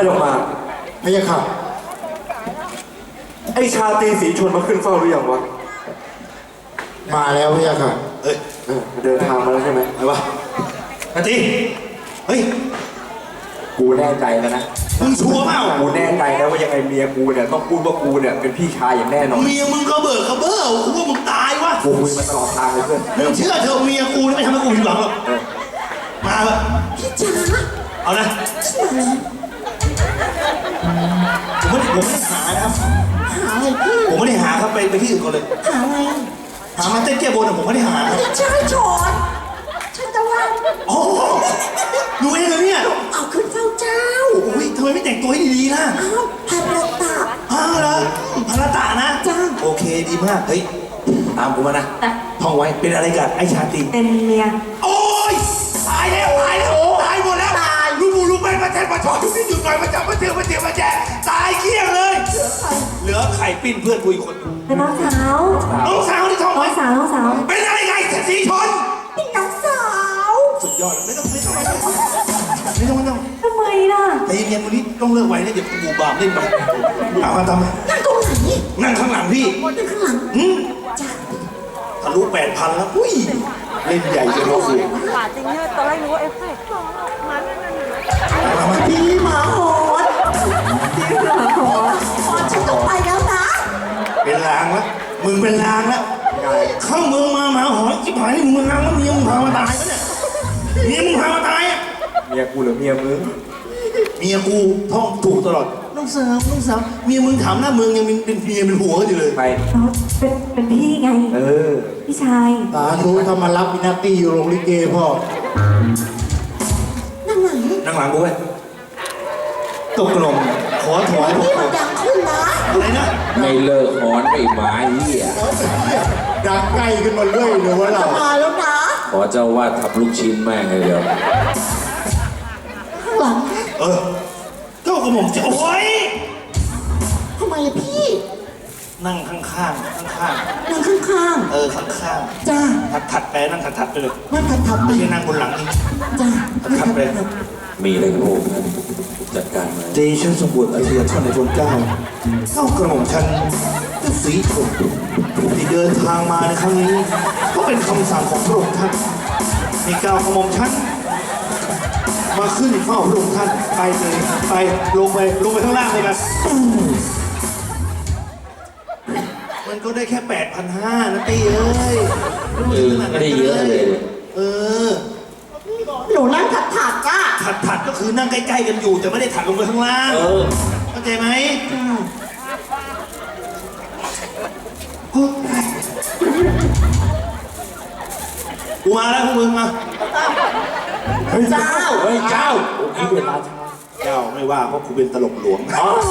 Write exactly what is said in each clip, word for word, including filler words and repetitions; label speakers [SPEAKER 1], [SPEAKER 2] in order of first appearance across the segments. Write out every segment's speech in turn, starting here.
[SPEAKER 1] ต้องมาพะยะค่ะไอชาตรีสีชนมาขึ้นเฝ้าหรือยังวะมาแล้วพะยะค่ะเอ้ยเดินทางมาแล้วใช่ไหมไอ้วะชาตรีเฮ้ยกูแน่ใจแล้วนะมึงชัวร์เปล่ากูแน่ใจแล้วว่ายังไงเมียกูเนี่ยต้องพูดว่ากูเนี่ยเป็นพี่ชายอย่างแน่นอน
[SPEAKER 2] เมียมึงก็เบิกเขาเบ้อกูว่ามึงตายวะ
[SPEAKER 1] กูคุยมาตลอดทางเลยเพื่อน
[SPEAKER 2] มึงเชื่อเธอเมียกูไม่ทำให้กูผิดหวังหรอกมาเถอะ
[SPEAKER 3] พี่จ๋า
[SPEAKER 2] เอานะผมไม่ผมไม่ได้หานะครับ
[SPEAKER 3] หาอะไรพี่
[SPEAKER 2] ผมไม่ได้หาครับไปไปที่อื่นก่อนเลย
[SPEAKER 3] หาอะไร
[SPEAKER 2] หามาเต้นแก้บนผมไม่ได้หา
[SPEAKER 3] ไม่ใช่ชอนฉันจะว่า
[SPEAKER 2] โอ้ดูเองเลยเนี่ย
[SPEAKER 3] เอาขึ้นเฝ้าเจ้า
[SPEAKER 2] โอ้ยทำไมไม่แต่งตัวให้ดีๆล่ะ
[SPEAKER 3] อ้าวพันละตา
[SPEAKER 2] อ้าวเหรอพันละตานะ
[SPEAKER 3] จ้า
[SPEAKER 2] โอเคดีมากเฮ้ยตามกูมานะท่องไว้เป็นอะไรกันไอ้ชาตรี
[SPEAKER 3] เป็นเมีย
[SPEAKER 2] โอ้ยตายแล้วตายแล้วตายหมดแล้วตายลูกบูลูกแม่มาแทนมาชอบทุกที่หยุดหน่อยมาจับมาเจอมาเจอมาแจตายเกลี้ยงเลยเหลือไข่ปิ้นเพื่อนกูอีกคน
[SPEAKER 3] เป็นน้องสาว
[SPEAKER 2] น้องสาวที่ท้อง
[SPEAKER 3] น้องสาวน้องสาว
[SPEAKER 2] เป็นอะไรไงสีชน
[SPEAKER 3] เป็นน้องสาว
[SPEAKER 2] สุดยอดไม่ต้องไม่ต้องไม่ต้องไม่ต้องไม่ต้อง
[SPEAKER 3] ทำไมล่ะ
[SPEAKER 2] แต่เย็นวันนี้ต้องเลิกไว้นะเดี๋ยวกูบาปเล่นไปเอามาทำไม
[SPEAKER 3] นั่งตรงไหน
[SPEAKER 2] นั่งข้างหลังพี่
[SPEAKER 3] นั่งข้างหลัง
[SPEAKER 2] อืม
[SPEAKER 3] จ้า
[SPEAKER 2] ทะลุแปดพันแล้วอุ้ยเล่นใหญ่จนเราสูง
[SPEAKER 4] หมาจริงเนี่ยตอนแรกนึกว่าเอฟเฟกต์มาเนี่ย
[SPEAKER 3] มาพี่หมาโหดพี่หมาโหดโหดฉันต้องไปแล้วนะ
[SPEAKER 2] เป็นลางแล้วมึงเป็นลางแล้วเข้าเมืองมาหมาหอยจิ๋วหายนี่มึงลางแล้วเมียมึงพามาตายปะเนี่ยเมียมึงพามาตายอ่ะ
[SPEAKER 1] เมียกูหรือเมียมึง
[SPEAKER 2] เมียกูท่องถูกตลอดน้องสาวน้องสาวเมียมึงถามหน้าเมืองยังเป็นเมียเป็นหัวอยู่เลย
[SPEAKER 1] ไป
[SPEAKER 3] เป็นเป็นพี่ไง
[SPEAKER 1] เออ
[SPEAKER 3] พี่ชาย
[SPEAKER 1] ตาทูทำมารับมินาตี้อยู่โรงลิเกพ่อ
[SPEAKER 3] นั่งหลัง
[SPEAKER 2] นั่งหลังกูไว้ตกลงขอถวาย
[SPEAKER 3] พี่มันดังขึ้นนะ
[SPEAKER 2] อะไรนะ
[SPEAKER 5] ไม่เลิกหอนไม่หมาเหี้ย
[SPEAKER 1] ดังใกล้ขึ้นมาเรื่อยเลยว่าเรา
[SPEAKER 3] มาแล้วนะ
[SPEAKER 5] ขอเจ้าว่าทับลูกชิ้นแม่งเลยเดี๋ยว
[SPEAKER 3] ข้างหลัง
[SPEAKER 2] เออเจ้ากระหม่อมจะโอ้ย
[SPEAKER 3] ทำไมอะพี่
[SPEAKER 2] นั่งข้างข้างข้างข้าง
[SPEAKER 3] นั่งข้างข้าง
[SPEAKER 2] เออข้างข้าง
[SPEAKER 3] จ้า
[SPEAKER 2] ถัดถัดไปนั่งถัดถัดไปเลย
[SPEAKER 3] นั่งถัดถัดไป
[SPEAKER 2] ไม่ใช่นั่งบนหลังนี่
[SPEAKER 3] จ้า
[SPEAKER 2] ถัดไป
[SPEAKER 5] มีอะไรโง่จัดการมา
[SPEAKER 2] เดชะสมบูรณ์อาเซียท่านในพลเก้าเจ้ากระหม่อมฉันก็สีชมที่เดินทางมาในครั้งนี้ก็เป็นคำสั่งของพระองค์ท่านในก้าวกระหม่อมฉันมาขึ้นเฝ้าพระองค์ท่านไปเลยไปลงไปลงไปข้างล่างเลยนะมันก็ได้แค่แปดพันห้านะตีเอ้ย
[SPEAKER 5] ไม่ได้เยอะเลย
[SPEAKER 2] เออ
[SPEAKER 3] หนูนั่งถัดถัดจ้า
[SPEAKER 2] ถัดถัดก็คือนั่งใกล้ๆกันอยู่แต่ไม่ได้ถัดลงไปข้างล่างเข้าใจไหมกูมาแล้วพวกมึงมา
[SPEAKER 1] เฮ้ยเจ้า
[SPEAKER 2] เฮ้ยเจ้า
[SPEAKER 1] กูเป็นราชา
[SPEAKER 2] เจ้าไม่ว่าเพราะกูเป็นตลกหลวง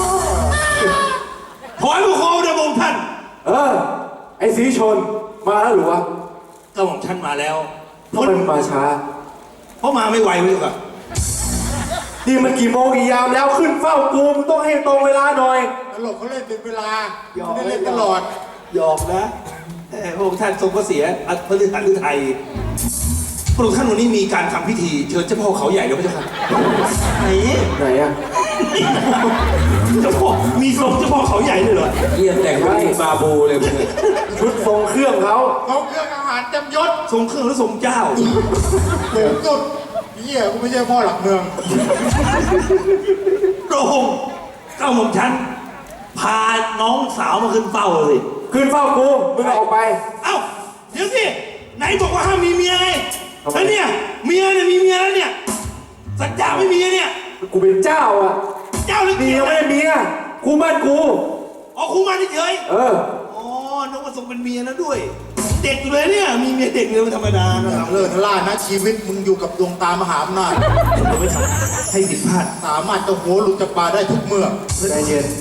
[SPEAKER 2] ถอยผู้ครองเดชองท่าน
[SPEAKER 1] เออไอ้สีชนมาแล้วหรือวะ
[SPEAKER 2] เจ้าของท่านมาแล้ว
[SPEAKER 1] ทำไมมันมาช้า
[SPEAKER 2] เพราะมาไม่ไวเลยอะ
[SPEAKER 1] นี่มันกี่โมงกี่ยามแล้วขึ้นเฝ้ากูมึงต้องให้ตรงเวลาหน่อย
[SPEAKER 6] ตลกเขาเล่นเป็นเวลาไม่ได้เล่นตลอด
[SPEAKER 2] หยอกนะพระองค์ท่านทรงพระเสียพระฤาษีไทยพระองค์ท่านวันนี้มีการทำพิธีเชิญเจ้าพ่อเขาใหญ่แล้วพระเจ้าค่ะไหน
[SPEAKER 1] ไหนอะ
[SPEAKER 2] เจ้าพ่อมีทรงเจ้าพ่อเขาใหญ่เลยเหรอ
[SPEAKER 5] เยี่ยมแต่งไว้บาบูเลยมึง
[SPEAKER 1] ชุดทรงเครื่องเขา
[SPEAKER 6] เขาเครื่องอาหารเต็มยศ
[SPEAKER 2] ทรงเครื่องแล้วทรงเจ้า
[SPEAKER 6] เต็มสุดเหี้ยกูไม่ใช่พ่อหลักเมือง
[SPEAKER 2] พระองค์เจ้าหม่อมฉันพาน้องสาวมาขึ้นเฝ้าเลย
[SPEAKER 1] ขึ้นเฝ้ากูมึงออกไป
[SPEAKER 2] เอ้าเดี๋ยวสิไหนบอกว่าห้ามมีเมียไงแล้วเนี่ยเมียเนี่ยมีเมียแล้วเนี่ยสัญญาไม่มีเนี่ย
[SPEAKER 1] กูเป็นเจ้าอ่ะ
[SPEAKER 2] เจ้าหรือ
[SPEAKER 1] เมียไม่เมียกูมั่นกู
[SPEAKER 2] อ๋อกูมั่นเฉย
[SPEAKER 1] เออ
[SPEAKER 2] อ๋อน้องมาส่งเป็นเมียแล้วด้วยเด็กอยู่เลยเนี่ยมีเมียเด็กเลยมันธรรมดานะ
[SPEAKER 6] เลิศล่านะชีวิตมึงอยู่กับดวงตามหาอำนาจ
[SPEAKER 2] ไม่ทำให้ผิดพลาด
[SPEAKER 6] สามารถจะหัวหลุดจากปลาได้ทุกเมื่อ
[SPEAKER 1] ใจเย็น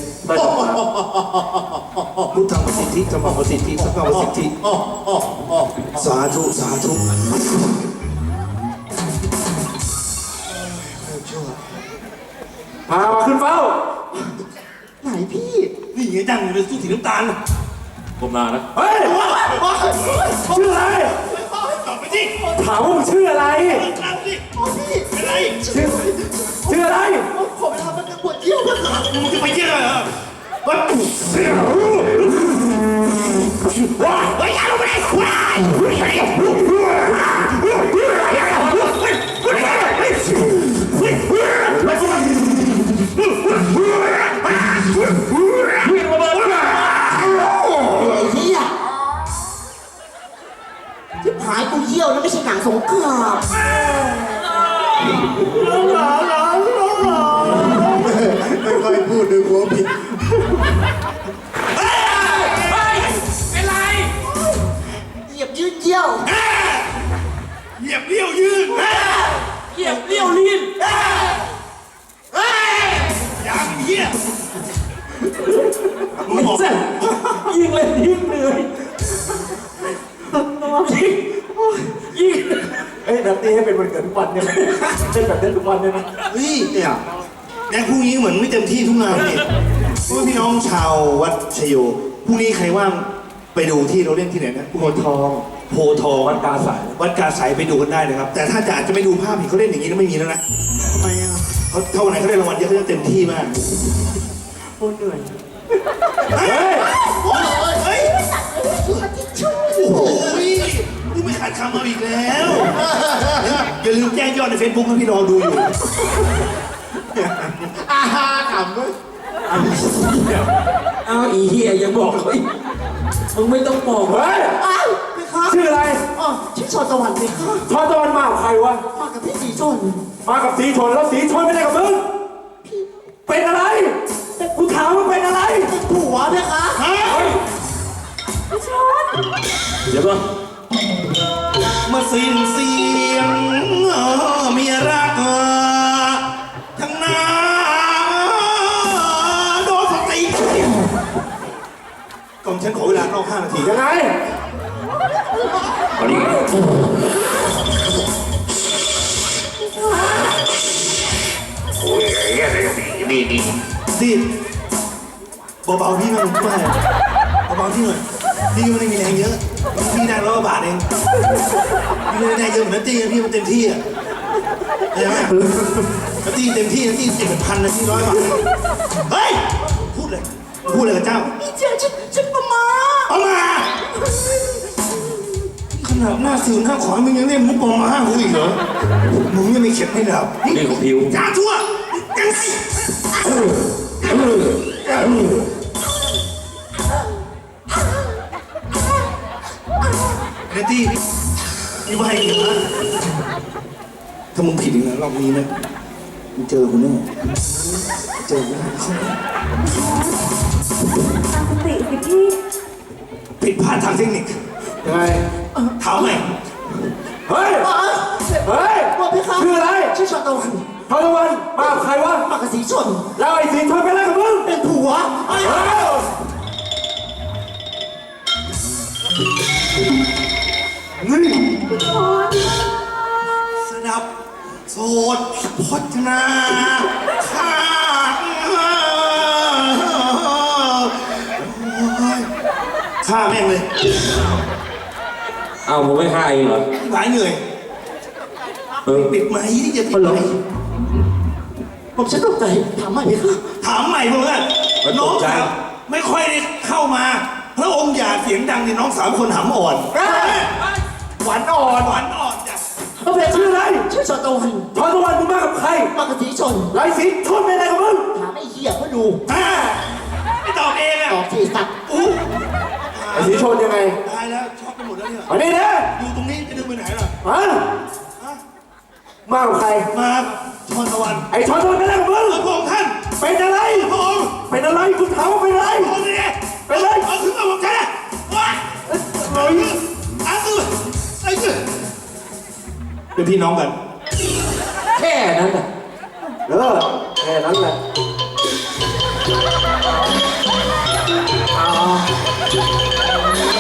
[SPEAKER 2] พุทธังประสิทธิธรรมังประสิทธิสังฆังประสิทธิสาธุสาธุ
[SPEAKER 1] พามาขึ้นเฝ้า
[SPEAKER 3] ไหนพี่
[SPEAKER 2] นี่ไงดังอยู่ในตู้สีน้ำตาล
[SPEAKER 5] ผมมานะ
[SPEAKER 1] เฮ้ยชื่ออะไร
[SPEAKER 2] ตอบไปสิ
[SPEAKER 1] ถามว่ามึงชื่ออะไร
[SPEAKER 2] ถามสิเป็นไร
[SPEAKER 1] ชื่อชื่ออะไร
[SPEAKER 3] ผมทำมันปวดเยี่ยี่ยวพระเจ้า
[SPEAKER 2] มึงจะไปเยี่ยวเหรอวัดว้าเฮ้ยอย่าลงไปว้าวิ่งระเบิด
[SPEAKER 3] ไอ้เหี้ยที่ผายกูเยี่ยวแล้วไม่ใช่หนังสงคราม
[SPEAKER 6] ไม่ค่อยพูดด้วยหัวผิด
[SPEAKER 5] เป็นไร
[SPEAKER 3] เหยียบยืดเยี่ยว
[SPEAKER 2] เหยียบเลี้ยวยืน
[SPEAKER 5] เหยียบเลี้ยวลิ้น
[SPEAKER 2] ยังเหี้ยมึงบอก
[SPEAKER 5] ยิงเลยยิงเลยยิงยิง
[SPEAKER 1] เอ้ยนัตตี้ให้เป็นวันเกิดทุกวันเนี่ยนะเล่นแบบนี้ทุกวันเนี่ยนะ
[SPEAKER 2] เฮ้ยเนี่ยแดงพรุ่งนี้เหมือนไม่เต็มที่ทุกงานนี่เพราะว่าพี่น้องชาววัดชโยพรุ่งนี้ใครว่างไปดูที่เราเล่นที่ไหนนะ
[SPEAKER 1] โพธิ์ทอง
[SPEAKER 2] โพธิ์ทอง
[SPEAKER 1] วัดกาสาย
[SPEAKER 2] วัดกาสายไปดูกันได้นะครับ แต่ถ้าจะอาจจะไม่ดูภาพเห็นเขาเล่นอย่างนี้แล้วไม่มีแล้วนะทำไมอ่ะเขาเท่าไหร่เขาได้รางวัลเยอะเขาจะเต็มที่มาก
[SPEAKER 1] โคตรเหนื่อย
[SPEAKER 2] เฮ้ยเฮ้ยโอ้ยกูไม่ขาดคำเอาอีกแล้วอย่าลืมแจ้งยอดในเฟซบุ๊กนะพี่รอดูอยู่
[SPEAKER 6] อาฮาขำด้วย
[SPEAKER 5] เอาอีเหี้ยยังบอกเลยมึงไม่ต้องบอก
[SPEAKER 1] เฮ้ย
[SPEAKER 3] อ้าวพี่คะ
[SPEAKER 1] ชื่ออะไร
[SPEAKER 3] อ๋อชื่อชอนตะวันพี่คะ
[SPEAKER 1] ชอนตะวันมากับใครวะ
[SPEAKER 3] มากับพี่สีชน
[SPEAKER 1] มากับสีชนแล้วสีชนไม่ได้กับมึงเป็นอะไรกูถามว่าเป็นอะไร
[SPEAKER 3] เป็นผัวพี่คะ
[SPEAKER 2] ฮะ
[SPEAKER 5] เดี๋ยวก่อน
[SPEAKER 2] เมื่อสิ้นเสียงเมียรักทั้งนาโดนสติก่อนฉันขอเวลานอกห้านาที
[SPEAKER 1] ยังไง
[SPEAKER 5] เอาดิ
[SPEAKER 2] ดิเบาๆพี่หน่อยไม่เบาๆพี่หน่อยพี่ก็ไม่ได้มีแรงเยอะพี่ได้ร้อยกว่าบาทเองพี่ไม่ได้เยอะเหมือนนัตตี้นะพี่มันเต็มที่อ่ะเห็นไหมนัตตี้เต็มที่นัตตี้สิบเป็นพันนะพี่ร้อยบาทเฮ้ยพูดเลยพูดเลยกับเจ้า
[SPEAKER 3] พี่เจ้าฉันฉันมามา
[SPEAKER 2] เอามาขนาดหน้าสิวหน้าขอมึงยังเล่นมุกปอมาห้ากูอีกเหรอมึงยังไม่เข็ดไม่ดับ
[SPEAKER 5] เรื่องของผิว
[SPEAKER 2] จ้าชั่วยังไงเนตตี้นี่ว่าให้เกียรตินะถ้ามึงผิดอีกนะรอบนี้นะมึงเจอกูแน่เจอกูแน่
[SPEAKER 4] ตั้งสติสิพี่
[SPEAKER 2] ผิดพลาดทางเทคนิค
[SPEAKER 1] ยังไง
[SPEAKER 2] ถามใหม่
[SPEAKER 1] เฮ้ย
[SPEAKER 3] อ๋อ
[SPEAKER 1] เฮ้ย
[SPEAKER 3] ว่าพี่คะ
[SPEAKER 1] ชื่ออะไร
[SPEAKER 3] ชื่อชอนตะวัน
[SPEAKER 1] ชอนตะวันมากับใครวะ
[SPEAKER 3] มากับสีชน
[SPEAKER 1] แล้วไอ้สีชนเป็นอะไรกับมึง
[SPEAKER 3] เป็นผัวไอ้
[SPEAKER 1] เอ้านี่
[SPEAKER 2] สดับโสดพจนาข้าฆ่าแม่งเลย
[SPEAKER 5] เอาผมไม่ฆ่าเองเหรอ
[SPEAKER 2] หลายเหนื่อย
[SPEAKER 5] เออ
[SPEAKER 2] ปิดไหมที่จะปิดไหม
[SPEAKER 3] ผมฉันตกใจถามใหม่พี่คะ
[SPEAKER 2] ถามใหม่เพื่อนน้องครับไม่ค่อยได้เข้ามาพระองค์อย่าเสียงดังในน้องสามคนหำอ่อน
[SPEAKER 1] หวานอ่อน
[SPEAKER 2] หวานอ่อนจ้ะ
[SPEAKER 1] เขาเป็นชื่ออะไร
[SPEAKER 3] ชื่อชอนตะวัน
[SPEAKER 1] ชอนตะวันมึงมากับใคร
[SPEAKER 3] มากับสีชน
[SPEAKER 1] แล้วไอ้สีชนเป็นอะไรกับมึง
[SPEAKER 3] ถามไอ้เหี้ยก็ดู
[SPEAKER 2] อ่าไม่ตอบเองอ่ะ
[SPEAKER 3] ตอบทีสัตว์
[SPEAKER 2] อู้
[SPEAKER 1] ไอ้สีชนยังไง
[SPEAKER 2] ตายแล้วช็อกไปหมดแล้วเนี่ย
[SPEAKER 1] มานี่นะ
[SPEAKER 2] อยู่ตรงนี้จะดึงไปไหนล่ะ
[SPEAKER 1] ฮะมากับใคร
[SPEAKER 2] มาชอนตะวัน
[SPEAKER 1] ไอ้ชอนตะวันเป็นอะไรกับมึง
[SPEAKER 2] พระองค์ท่าน
[SPEAKER 1] เป็นอะไร
[SPEAKER 2] พระองค์
[SPEAKER 1] เป็นอะไรกูถามว่าเป็นอะไร
[SPEAKER 2] พระองค์นี่
[SPEAKER 1] เป็นอะไร
[SPEAKER 2] เอาขึ้นมาบอกฉันนะว้า
[SPEAKER 1] เฮ้ย
[SPEAKER 2] อาคือไอ้คือเป็นพี่น้องกัน
[SPEAKER 5] แค่นั้นน่ะ
[SPEAKER 1] เออแค่นั้นแหละเอา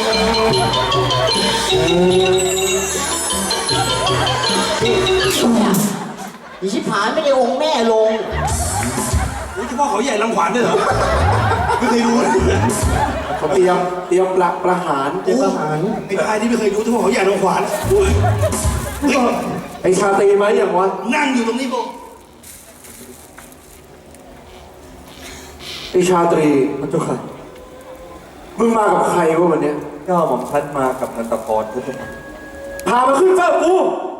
[SPEAKER 3] อีชิบหายไม่ได้องค์แม่ลง
[SPEAKER 2] โอ้ยเฉพาะเขาใหญ่ลังขวานด้วยเหรอไม่เคยรู้เลย
[SPEAKER 1] เขาเตรียมเตรียมประประหารเตรียมประหาร
[SPEAKER 2] ไอ้พายที่ไม่เคยรู้เฉพาะเขาใหญ่ลังขวานเฮ้ย
[SPEAKER 1] ไอ้ชาตรีไหมอย่างวะ
[SPEAKER 2] นั่งอยู่ตรงนี้บอก
[SPEAKER 1] ไอชาตรีมันเจ้าค่ะมึงมากับใครวะวันเนี้ย
[SPEAKER 5] ก็หม่อมฉันมากับนันตพรทุกคน
[SPEAKER 1] พามาขึ้นเฝ้ากู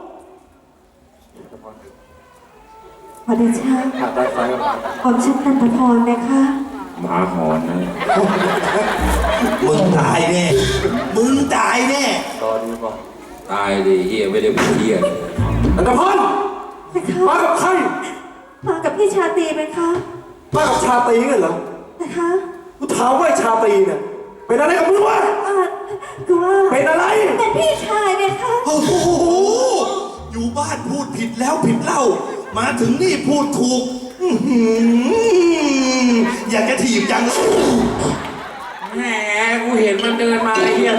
[SPEAKER 4] ขอเดชะ
[SPEAKER 5] หาได้ไฟ
[SPEAKER 4] ผมชื่อนันทพรนะคะ
[SPEAKER 5] หมาหอนนะ
[SPEAKER 2] มึงตายแน่ มึงตายแน่
[SPEAKER 5] รอดูบอกตายดิเฮียไม่ได้เป็นเฮีย
[SPEAKER 1] อันตพร
[SPEAKER 4] นะคะ
[SPEAKER 1] มากับใคร
[SPEAKER 4] มากับพี่ชาตรีไหมคะ
[SPEAKER 1] มากับชาตรีกันเหรอ
[SPEAKER 4] นะคะ
[SPEAKER 1] กูถามว่าไอ้ชาตรีเนี่ยเป็นอะไรกับมึงวะ
[SPEAKER 4] อ่าคือว่า
[SPEAKER 1] เป็นอะไร
[SPEAKER 4] เป็นพี่ชายไหมคะ
[SPEAKER 2] โอ้โห อยู่บ้านพูดผิดแล้วผิดเล่า มาถึงนี่พูดถูกอื้อหืออยากจะถีบจังเลย
[SPEAKER 5] แหมกูเห็นมันเดินมาไอ้เฮีย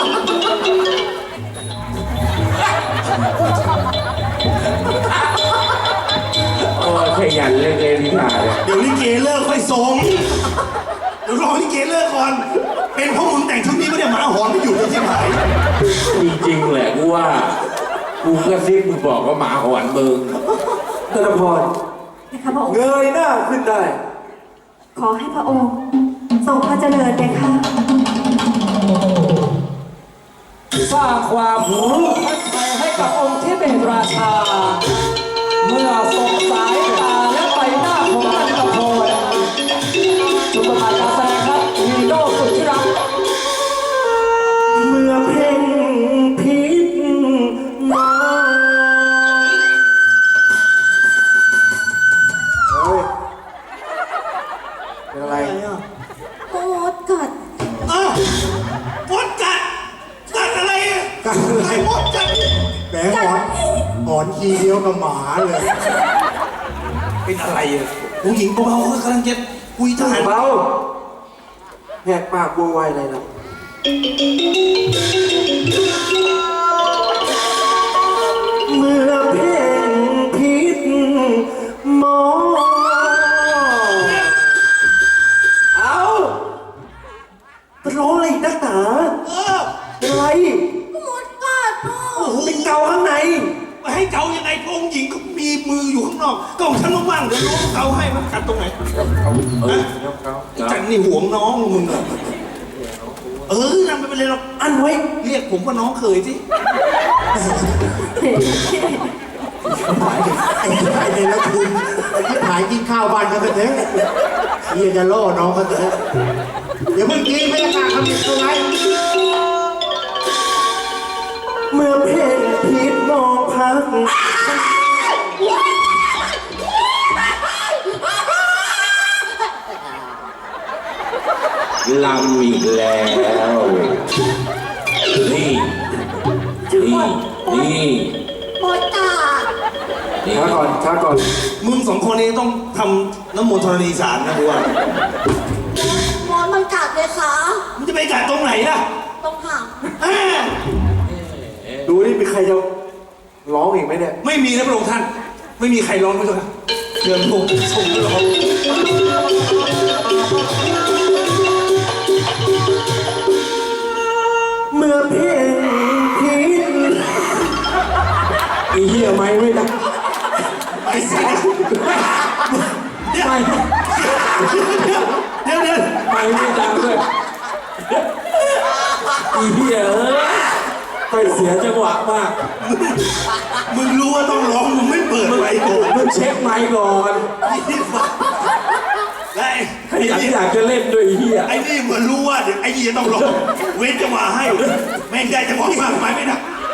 [SPEAKER 5] โอ้ขยันเลยเลยนิทาเนี่ย
[SPEAKER 2] เดี๋ยวลิเกเลิกค่อยส่งเดี๋ยวรอลิเกเลิกก่อน เป็นเพราะมึงแต่งชุดนี้ไม่ได้หมาหอนไม่อยู่เลยที่ไหน
[SPEAKER 5] จริงๆแหละกูว่ากูกระซิบมึงบอกว่าหมาหอนมึง
[SPEAKER 1] อันตพร
[SPEAKER 4] นะคะพระองค์
[SPEAKER 1] เงยหน้าขึ้นได้
[SPEAKER 4] ขอให้พระองค์ทรงพระเจริญเลยค่ะ
[SPEAKER 7] สร้างความรู้ทัดใจให้กับองค์ที่เป็นราชา เมื่อส่งสายตาและใบหน้าของนันทพรจุดประกายการแสดงครับฮีโร่สุดที่รัก
[SPEAKER 1] เมื่อเพ่งพิษมาเฮ้ยเป็นอะไร
[SPEAKER 4] โอ๊ตกัด
[SPEAKER 2] อ้าวมดกัดกัดอะไรอะ
[SPEAKER 6] กัดอะไร
[SPEAKER 2] มดกัด
[SPEAKER 6] แหมหอนหอนทีเดียวกับหมาเลย
[SPEAKER 2] เป็นอะไรอ่ะผู้หญิงเบาๆก็กำลังจะคุยทหาร
[SPEAKER 1] เบาแหกปากบัวไวอะไรนะเมื่อเพ่งพิษมองเอาจะร้องอะไรอีกนักหนา
[SPEAKER 2] เออ
[SPEAKER 1] เป็นไร
[SPEAKER 4] มดกัดพ่อ
[SPEAKER 2] โอ้โห
[SPEAKER 1] เป็นเกาข้างใน
[SPEAKER 2] มาให้เกายังไงพระองค์หญิงก็มีมืออยู่ข้างนอกก็ของฉันว่างๆเดี๋ยวรู้เกาให้มันกัดตรงไหน
[SPEAKER 5] เออ
[SPEAKER 2] จันนี่ห่วงน้องมึงอะเออนั่นไม่เป็นไรหรอก
[SPEAKER 1] อันไว้
[SPEAKER 2] เรียกผมว่าน้องเคยสิ
[SPEAKER 6] ไอ้ที่ไอ้เนี่ยละคุณไอ้ที่หายกินข้าวบ้านกันไปเถอะเฮียจะล่อน้องกันเถอะเดี๋ยวเมื่อกี้ไม่ได้กล้าคำนี้เท่าไหร่
[SPEAKER 1] เมื่อเพ่งพิษมองพัก
[SPEAKER 5] ลำอีกแล้ว นี่ นี่ นี่
[SPEAKER 4] มดกัด
[SPEAKER 5] นี่
[SPEAKER 1] ช้าก่อนช้าก่อน
[SPEAKER 2] มึงสองคนนี้ต้องทำน้ำมนต์ธรณีสารนะกูว่าม
[SPEAKER 4] ดมันกัดเลยค่ะ
[SPEAKER 2] มึงจะไปกัดตรงไหนล่ะ
[SPEAKER 4] ตรงหาง
[SPEAKER 2] อ่า
[SPEAKER 1] ดูนี่มีใครจะร้องอีกไหมเนี่ย
[SPEAKER 2] ไม่มีนะพระองค์ท่าน ไม่มีใครร้องไม่ใช่ไหมเชิญพระองค์ส่งด้วยเหรอครับ
[SPEAKER 1] เมื่อเพ่งพิษ
[SPEAKER 5] อีเหี้ยไม่ไม่ได้
[SPEAKER 2] ไอ้สัสเดี๋ยวเดี๋ยวเดี๋ยว
[SPEAKER 5] ไม่ไม่ดังด้วยอีเหี้ยเอ้ยไปเสียจังหวะมาก
[SPEAKER 2] มึงรู้ว่าต้องร้องมึงไม่เปิดไว้ก่อน
[SPEAKER 5] มึงเช็คไมค์ก่อน
[SPEAKER 2] และ
[SPEAKER 5] ขยันอยากจะเล่นด้วยอีเหี้ย
[SPEAKER 2] ไอ้นี่เหมือนรู้ว่าเดี๋ยวไอ้ยี่ต้องร้องเว้นจังหวะให้แม่งได้จังหวะมากไปไม่ได้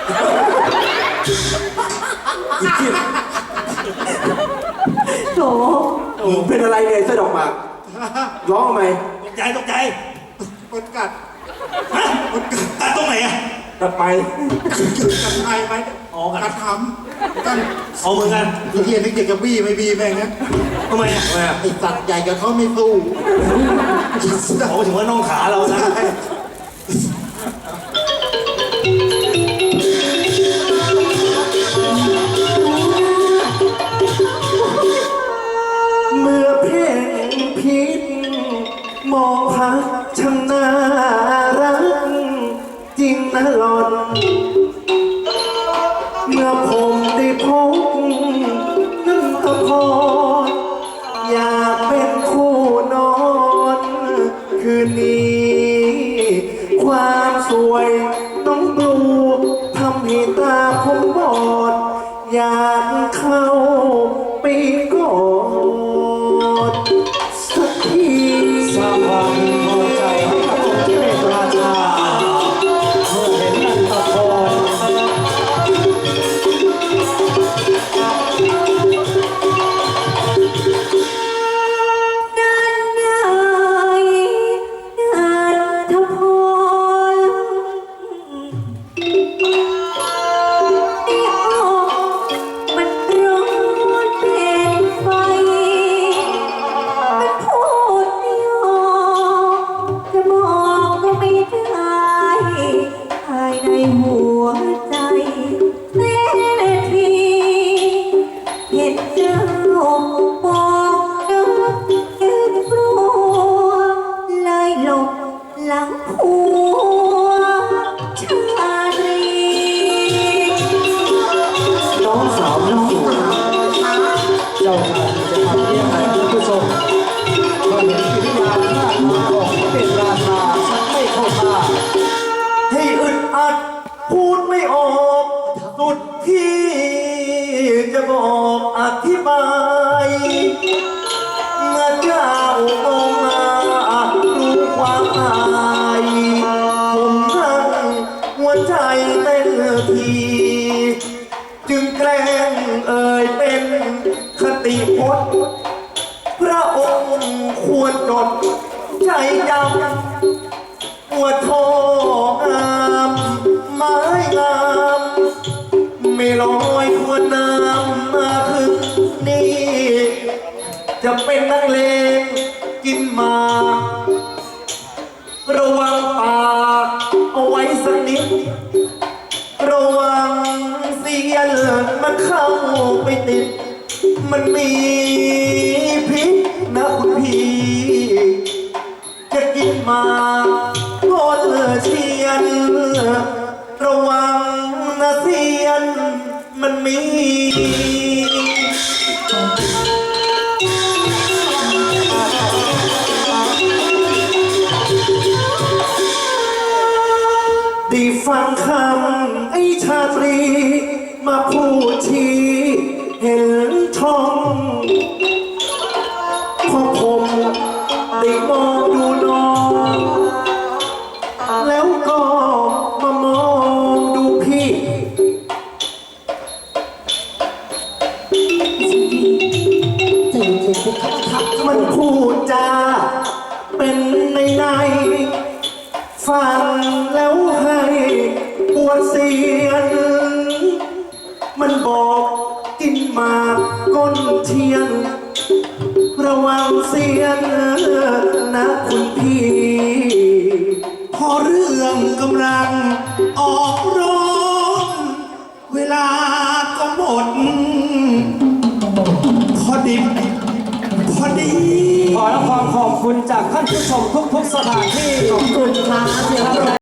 [SPEAKER 5] อีเหี้ย
[SPEAKER 4] โถ
[SPEAKER 1] มึงเป็นอะไรเนี่ยเสื้อดอกหมากร้องทำไม
[SPEAKER 2] ตกใจตกใจ
[SPEAKER 6] คนกัด
[SPEAKER 2] ฮะกัดตรงไหนอะ
[SPEAKER 1] ตัดไป
[SPEAKER 6] กัดไทยไหมอ๋อกัดทำกัน
[SPEAKER 2] เอาเหมือนกัน
[SPEAKER 6] ไอ้เฮียนึกอยากจะบี้ไม่บี้แม่งนะ
[SPEAKER 2] ทำไมอะทำไมอะ
[SPEAKER 6] ไอ้สัตว์ใหญ่กับเขาไม่สู้
[SPEAKER 2] เขาถึงว่าน้องขาเรานะ
[SPEAKER 1] เมื่อเพ่งพิษมองพักช่างน่ารักจริงนะหลอน เมื่อผมได้พบนั่นก็พออยากเป็นคู่นอน
[SPEAKER 3] ความสวยน้องบลูทำให้ตาผมบอด อยากเข้าไปกอดสักที
[SPEAKER 7] สร้างความพอใจให้กับองค์ที่เป็นราชาเมื่อเห็นนันตพร
[SPEAKER 4] นันนายนันทพรนี่ออกมันร้อนเป็นไฟมันพูดไม่ออกจะบอกก็ไม่ได้ภายในหัวใจแน่ทีเห็นเจ้าบอกนึกยืนกลัวเลยหลบหลังผัวชาตรี
[SPEAKER 7] น้องสาวน้องสวยเจ้าชายจะทำยังไงคุณผู้ชมก็เห็นกิริยาท่าทางของพระเป็นราชาชักไม่เข้าท่า
[SPEAKER 3] ให้อึดอัดพูดไม่ออกสุดที่จะบอกอธิบายเมื่อเจ้ามองมารู้ความอายผมทั้งหัวใจเต้นทีจึงแกล้งเอ่ยเป็นคติพจน์พระองค์ควรจดใจจำว่าทองามไม้งามไม่ลอยทวนน้ำมาถึงนี่ จะเป็นนักเลงกินหมากระวังปากเอาไว้สักนิด ระวังเสียนมันเข้าไปติด มันมีพิษนะคุณพี่ จะกินหมากก็เลอเชียน ระวังนะเสียนมันมี ได้ฟังคำไอ้ชาตรี มาพูดชี้เห็นช่องพอผมได้มองดูน้อง แล้วก็มามองดูพี่ มันพูดจาเป็นในในฟังแล้วให้ปวดเสียน มันบอกกินหมากก้นเทียน ระวังเสียนนะคุณพี่
[SPEAKER 2] พอเรื่องกำลังออกร้อนเวลาก็หมด พอดิบพอดี
[SPEAKER 7] ขอรับความขอบคุณจากท่านผู้ชมทุกๆสถานที่
[SPEAKER 3] ขอบคุณครับ